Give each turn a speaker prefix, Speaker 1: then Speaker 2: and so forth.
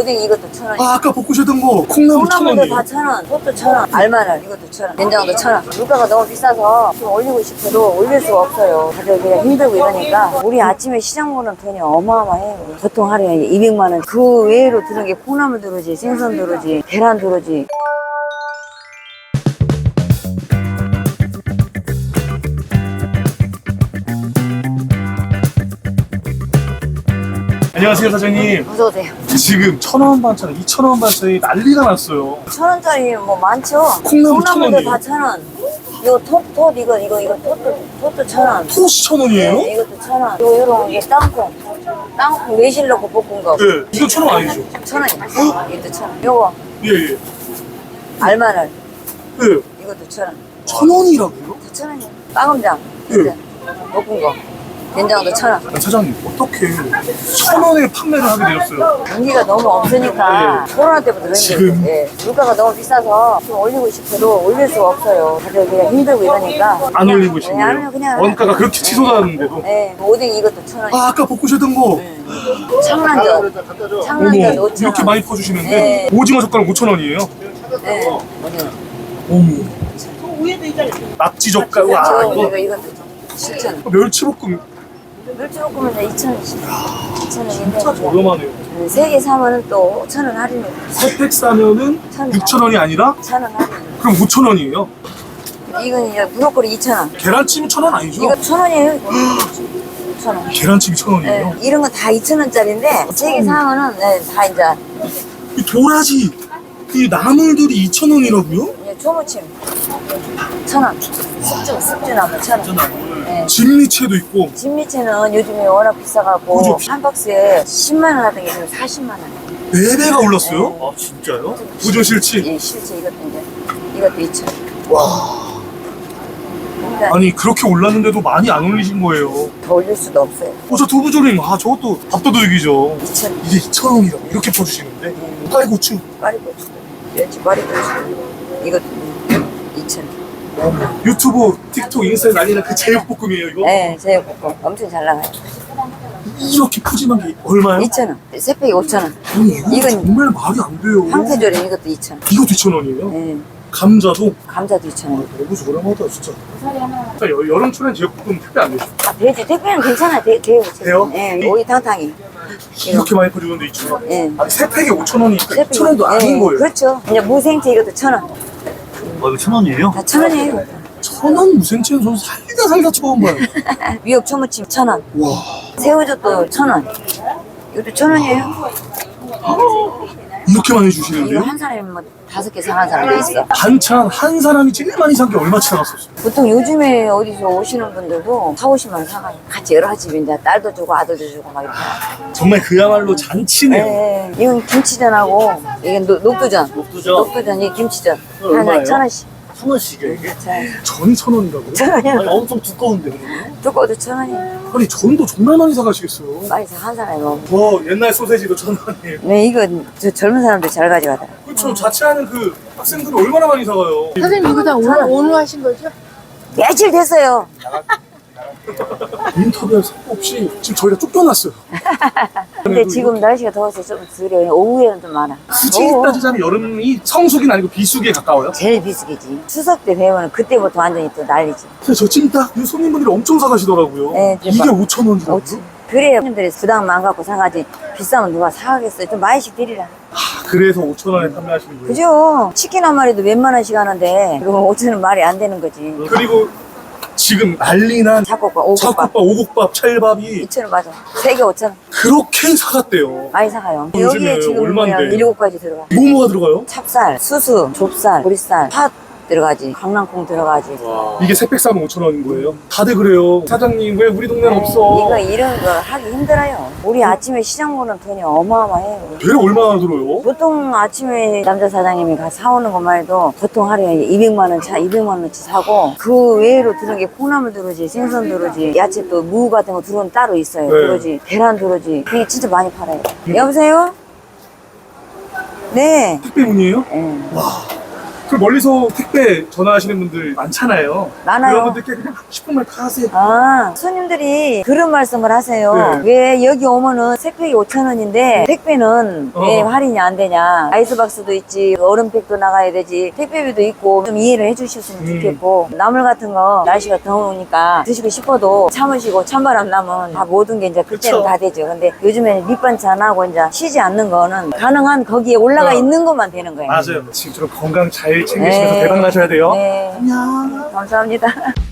Speaker 1: 오뎅이 이것도 1,000원.
Speaker 2: 아, 아까 볶으셨던 거 콩나물
Speaker 1: 콩나물도
Speaker 2: 1,000원이에요.
Speaker 1: 다 1,000원, 소도 1,000원, 알마늘 이것도 1,000원, 된장도 1,000원. 물가가 너무 비싸서 좀 올리고 싶어도 올릴 수가 없어요. 가격이 힘들고 이러니까 우리 아침에 시장 보는 돈이 어마어마해요. 보통 하루에 200만 원. 그 외로 드는 게 콩나물 들어오지, 생선 들어오지, 계란 들어오지.
Speaker 2: 안녕하세요, 사장님.
Speaker 1: 어서오세요.
Speaker 2: 지금 1,000원 반찬, 2,000원 반찬이 난리가 났어요.
Speaker 1: 1,000원짜리 뭐 많죠?
Speaker 2: 콩나물
Speaker 1: 콩나물도
Speaker 2: 1,000원이에요.
Speaker 1: 다 1,000원. 이거 톳 이거 톳도 1,000원.
Speaker 2: 토스 1,000원이에요?
Speaker 1: 네, 이것도 1,000원. 요런 게 땅콩 매실 넣고 볶은 거.
Speaker 2: 네, 이거 1,000원 아니죠?
Speaker 1: 1,000원이야. 이것도 1,000원. 요거
Speaker 2: 예, 예.
Speaker 1: 알마늘
Speaker 2: 네,
Speaker 1: 이것도 1,000원.
Speaker 2: 1,000원이라고요?
Speaker 1: 1,000원이야. 빵음장
Speaker 2: 네.
Speaker 1: 볶은 거. 된장도 1,000원.
Speaker 2: 아니, 사장님, 어떻게 1,000원에 판매를 하게 되었어요?
Speaker 1: 경기가 너무 없으니까 코로나 때부터 그런 게
Speaker 2: 지금?
Speaker 1: 예. 물가가 너무 비싸서 좀 올리고 싶어도 올릴 수가 없어요. 가격이 힘들고 이러니까
Speaker 2: 안 올리고 싶은
Speaker 1: 네,
Speaker 2: 거예요?
Speaker 1: 아니요, 그냥
Speaker 2: 원가가 그렇게 치솟았는데도?
Speaker 1: 네, 오뎅이 이것도 1,000원.
Speaker 2: 아, 아까 볶으셨던 거
Speaker 1: 창란젓
Speaker 2: 어머,
Speaker 1: 5,000원.
Speaker 2: 이렇게 많이 퍼주시는데
Speaker 1: 네.
Speaker 2: 오징어 젓가락 5,000원이에요?
Speaker 1: 네. 오징어.
Speaker 2: 어머, 낙지 젓가락, 와,
Speaker 1: 이것도
Speaker 2: 이거
Speaker 1: 7,000원.
Speaker 2: 멸치볶음
Speaker 1: 멸치볶음은 2,000원씩. 2,000원인데
Speaker 2: 진짜 저렴하네요.
Speaker 1: 3개 사면은 또 5,000원 할인해.
Speaker 2: 3팩 사면은 6,000원이 아니라
Speaker 1: 1,000원 할인.
Speaker 2: 그럼 5,000원이에요?
Speaker 1: 이건 이제 브로콜리 2,000원.
Speaker 2: 계란찜이 1,000원 아니죠?
Speaker 1: 이거 1,000원이에요. 1,000원.
Speaker 2: 계란찜이 1,000원이에요?
Speaker 1: 네, 이런 거 다 2,000원짜리인데 3개 사면은 네, 다 이제
Speaker 2: 이 도라지, 이 나물들이 2,000원이라고요?
Speaker 1: 이제 초무침 1,000원. 숙주나물 1,000원. 네.
Speaker 2: 진미채도 있고
Speaker 1: 진미채는 요즘에 워낙 비싸갖고
Speaker 2: 그죠?
Speaker 1: 한 박스에 10만 원 하던 게 지금 40만 원.
Speaker 2: 4배가 올랐어요?
Speaker 1: 네.
Speaker 2: 아, 진짜요? 우저실치?
Speaker 1: 예, 실제 이것도 이제 이것도 2,000원.
Speaker 2: 와,
Speaker 1: 그러니까
Speaker 2: 아니 그렇게 올랐는데도 많이 안 올리신 거예요.
Speaker 1: 더 올릴 수도 없어요.
Speaker 2: 저 두부조림, 아 저것도 밥도둑이죠.
Speaker 1: 2,000원.
Speaker 2: 이게 2,000원이라고 이렇게 퍼주시는데 파이고추
Speaker 1: 파리고추, 멸치 파리고추. 이것도 2,000원.
Speaker 2: 유튜브, 틱톡, 인스타에 난리난 그 제육볶음이에요 이거?
Speaker 1: 네, 제육볶음 엄청 잘 나가요.
Speaker 2: 이렇게 푸짐한 게 얼마요?
Speaker 1: 2,000원. 세 팩이 5,000원.
Speaker 2: 아니 이거
Speaker 1: 이건
Speaker 2: 정말 말이 안 돼요.
Speaker 1: 황태조림 이것도 2,000원.
Speaker 2: 이것도 2,000원이에요?
Speaker 1: 네,
Speaker 2: 감자도?
Speaker 1: 감자도 2,000원.
Speaker 2: 너무 저렴하다 진짜. 자, 여름철엔 제육볶음 택배 안 되죠?
Speaker 1: 아, 돼지 택배는 괜찮아요. 돼요.
Speaker 2: 돼요?
Speaker 1: 네, 오이 탕탕이.
Speaker 2: 이렇게 많이 퍼주는데 2,000원?
Speaker 1: 네.
Speaker 2: 아니 세 팩에 5,000원이니까
Speaker 1: 세 팩이-
Speaker 2: 2,000원도 아닌 거예요.
Speaker 1: 그렇죠. 이제 무생채 이것도 1,000원.
Speaker 2: 이거 1,000원이에요?
Speaker 1: 다 1,000원이에요.
Speaker 2: 1,000원 무생채는 저는 살다 처음 봐요.
Speaker 1: 미역 초무침 1,000원.
Speaker 2: 와,
Speaker 1: 새우젓도 1,000원. 이것도 1,000원이에요.
Speaker 2: 이렇게 많이
Speaker 1: 이거
Speaker 2: 주시는데요?
Speaker 1: 한 사람이 뭐 5개 사는 사람도 있어.
Speaker 2: 반찬 한 사람이 제일 많이 산 게 얼마치 나갔었어요?
Speaker 1: 보통 요즘에 어디서 오시는 분들도 4, 50만 원 사가요. 같이 여러 집에 이제 딸도 주고 아들도 주고 막 이렇게.
Speaker 2: 정말 그야말로 잔치네요.
Speaker 1: 네, 이건 김치전하고 이게 녹두전. 녹두전 이게 김치전. 하나
Speaker 2: 얼마예요?
Speaker 1: 1,000원씩.
Speaker 2: 1,000원씩이에요 이게?
Speaker 1: 자,
Speaker 2: 전이 1,000원이라고요?
Speaker 1: 1,000원이요.
Speaker 2: 엄청 두꺼운데 그러면?
Speaker 1: 두꺼워도 1,000원이에요.
Speaker 2: 아니 전도 정말 많이 사가시겠어요.
Speaker 1: 많이 한 사람이 뭐.
Speaker 2: 와, 옛날 소세지도 1,000원이에요.
Speaker 1: 네, 이거 저 젊은 사람들 잘 가져가더라.
Speaker 2: 그렇죠. 자취하는 그 학생들은 얼마나 많이 사가요.
Speaker 3: 선생님 이거 다 오늘 하신 거죠?
Speaker 1: 며칠 됐어요.
Speaker 2: 인터뷰할 새 없이 지금 저희가 쫓겨났어요.
Speaker 1: 근데 지금 날씨가 더워서 좀 덜해요. 오후에는 좀 많아.
Speaker 2: 굳이
Speaker 1: 더워.
Speaker 2: 따지자면 여름이 성수기는 아니고 비수기에 가까워요.
Speaker 1: 제일 비수기지. 추석 때 배우면 그때부터 완전히 또 난리지.
Speaker 2: 그래서 저 찜닭 이 손님분들이 엄청 사가시더라고요.
Speaker 1: 네,
Speaker 2: 이게
Speaker 1: 대박.
Speaker 2: 5,000원이라고.
Speaker 1: 그래야 손님들이 부담 안 갖고 사가지. 비싸면 누가 사가겠어요. 좀 많이씩 드리라.
Speaker 2: 그래서 5,000원에 판매하시는 거예요.
Speaker 1: 그죠? 치킨 한 마리도 몇만 원씩 하는데 그거 5,000원 말이 안 되는 거지.
Speaker 2: 그리고 지금 난리난
Speaker 1: 잡곡밥, 오곡밥.
Speaker 2: 잡곡밥, 오곡밥, 찰밥이
Speaker 1: 2,000원 맞아. 3개 5,000원.
Speaker 2: 그렇게 사갔대요.
Speaker 1: 많이 사가요.
Speaker 2: 요즘에
Speaker 1: 여기에 지금 뭐야
Speaker 2: 얼만데?
Speaker 1: 7가지 들어가.
Speaker 2: 뭐가 들어가요?
Speaker 1: 찹쌀, 수수, 좁쌀, 보리쌀, 팥 들어가지. 강낭콩 들어가지.
Speaker 2: 이게 세 팩 사면 5,000원인 거예요? 다들 그래요. 사장님 왜 우리 동네는 없어?
Speaker 1: 이거 이런 거 하기 힘들어요. 우리 아침에 시장 보는 돈이 어마어마해요.
Speaker 2: 배를 얼마나 들어요?
Speaker 1: 보통 아침에 남자 사장님이 가 사오는 것만 해도 보통 하루에 200만 원 200만 원어치 사고 그 외로 드는 게 콩나물 들어오지, 생선 들어오지, 야채 또 무 같은 거 들어오면 따로 있어요.
Speaker 2: 네.
Speaker 1: 들어오지, 계란 들어오지. 그게 진짜 많이 팔아요. 여보세요? 네.
Speaker 2: 택배문이에요?
Speaker 1: 네.
Speaker 2: 와, 그 멀리서 택배 전화하시는 분들 많잖아요.
Speaker 1: 많아요.
Speaker 2: 그런 분들께 그냥 하고 싶은 말 다 하세요.
Speaker 1: 아, 손님들이 그런 말씀을 하세요.
Speaker 2: 네.
Speaker 1: 왜 여기 오면은 택배가 5,000원인데 택배는 왜 할인이 안 되냐. 아이스박스도 있지, 얼음팩도 나가야 되지, 택배비도 있고 좀 이해를 해주셨으면 좋겠고, 나물 같은 거 날씨가 더우니까 드시고 싶어도 참으시고 찬바람 나면 다 모든 게 이제 그때는
Speaker 2: 그쵸.
Speaker 1: 다 되죠. 근데 요즘에는 밑반찬하고 이제 쉬지 않는 거는 가능한 거기에 올라가 있는 것만 되는 거예요.
Speaker 2: 맞아요. 지금처럼 건강 잘 챙기시면서
Speaker 1: 네.
Speaker 2: 대박 나셔야 돼요.
Speaker 1: 네.
Speaker 2: 안녕.
Speaker 1: 감사합니다.